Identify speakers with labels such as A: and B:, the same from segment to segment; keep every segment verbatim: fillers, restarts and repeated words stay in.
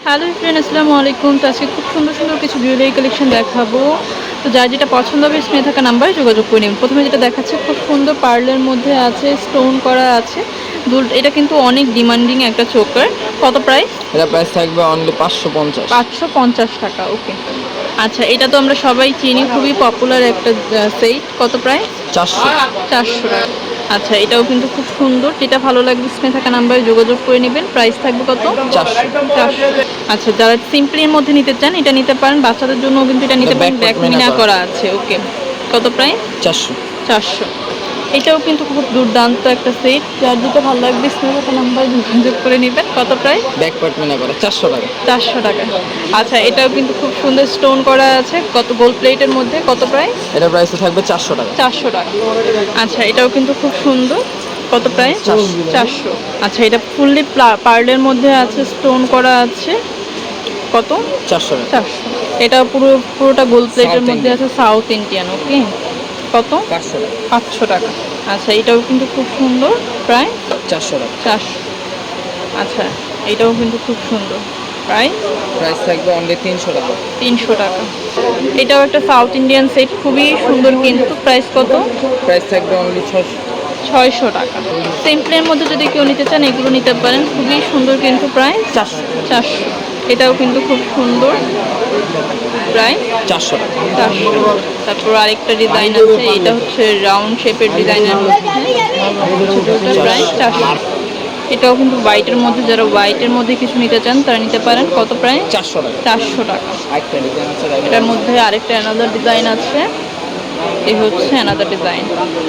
A: Hello friend, আসসালামু আলাইকুম। তো আজকে খুব সুন্দর সুন্দর কিছু জুয়েলারি কালেকশন দেখাবো। তো যার যেটা পছন্দ হবে স্ক্রিনে থাকা নাম্বারে যোগাযোগ করে নিন। প্রথমে যেটা দেখাচ্ছে খুব সুন্দর পার্লের মধ্যে আছে, স্টোন করা আছে দুল। এটা কিন্তু অনেক ডিমান্ডিং একটা চোকার। কত প্রাইস?
B: এটা প্রাইস থাকবে অনলি পাঁচশো পঞ্চাশ।
A: পাঁচশো পঞ্চাশ টাকা। ওকে, আচ্ছা, এটা তো আমরা সবাই চিনি, খুবই পপুলার একটা সেট। কত প্রাইস?
B: চারশো।
A: চারশো টাকা। আচ্ছা, এটাও কিন্তু খুব সুন্দর। যেটা ভালো লাগবে স্ক্রিনে থাকা নাম্বারে যোগাযোগ করে নেবেন। প্রাইস থাকবে কত?
B: চারশো।
A: চারশো। আচ্ছা, যারা সিম্পলির মধ্যে নিতে চান এটা নিতে পারেন। বাচ্চাদের জন্য কিন্তু এটা নিতে পারেন, ব্যাক মিনা করা আছে। ওকে, কত প্রাইস?
B: চারশো।
A: চারশো। এটাও কিন্তু খুব দুর্দান্ত একটা সেট। যার যেটা ভালো লাগবে স্ক্রিনে থাকা নাম্বারে যোগাযোগ করে নেবেন। কত প্রাইস?
B: ব্যাক পার্ট মিনা করা চারশো টাকা।
A: চারশো টাকা। আচ্ছা, এটাও কিন্তু খুব সুন্দর স্টোন করা আছে। কত গোল্ড প্লেটের মধ্যে? কত প্রাইস?
B: এটা প্রাইস থাকবে চারশো টাকা।
A: চারশো টাকা। আচ্ছা, এটাও কিন্তু খুব সুন্দর। কত প্রাইস? চারশো। আচ্ছা, এটা ফুললি পার্লের মধ্যে আছে, স্টোন করা আছে। কত?
B: চারশো টাকা।
A: চারশো। এটা পুরো পুরোটা গোল্ড প্লেটের মধ্যে আছে, সাউথ ইন্ডিয়ান। ওকে, কত?
B: পাঁচশো টাকা।
A: পাঁচশো টাকা। আচ্ছা, এটাও কিন্তু খুব সুন্দর। প্রায়
B: চারশো টাকা।
A: চারশো। আচ্ছা, এটাও কিন্তু খুব সুন্দর। প্রাইস?
B: প্রাইস থাকবে অনলি তিনশো টাকা।
A: তিনশো টাকা। এটাও একটা সাউথ ইন্ডিয়ান সেট, খুবই সুন্দর কিন্তু। প্রাইস কত?
B: প্রাইস থাকবে অনলি ছশো।
A: ছয়শো টাকা। সিম্পলের মধ্যে যদি কেউ নিতে চান এগুলো নিতে পারেন, খুবই সুন্দর কিন্তু। প্রাইস?
B: চারশো।
A: চারশো। এটাও কিন্তু খুব সুন্দর। প্রাইস?
B: চারশো টাকা।
A: চারশো। তারপর আরেকটা ডিজাইন আছে, এটা হচ্ছে রাউন্ড শেপের ডিজাইনের মধ্যে। প্রাইস চারশো। এটাও কিন্তু হোয়াইটের মধ্যে, যারা হোয়াইটের মধ্যে কিছু নিতে চান তারা নিতে পারেন। কত প্রাইস?
B: চারশো টাকা।
A: চারশো টাকা।
B: আরেকটা ডিজাইন আছে,
A: এটার মধ্যে আরেকটা অ্যানাদার ডিজাইন আছে। এই হচ্ছে অ্যানাদার ডিজাইন।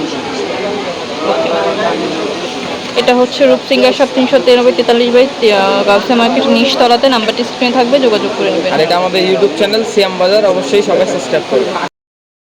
A: এটা হচ্ছে রূপসিঙ্গার শপ, তিনশো তিরানব্বই তেতাল্লিশ বাই গাউসিয়া মার্কেট নিচতলাতে। নাম্বারটি স্ক্রিনে থাকবে, যোগাযোগ করে নেবেন।
B: আর এটা আমাদের ইউটিউব চ্যানেল সিয়াম বাজার, অবশ্যই সবাই সাবস্ক্রাইব করবে।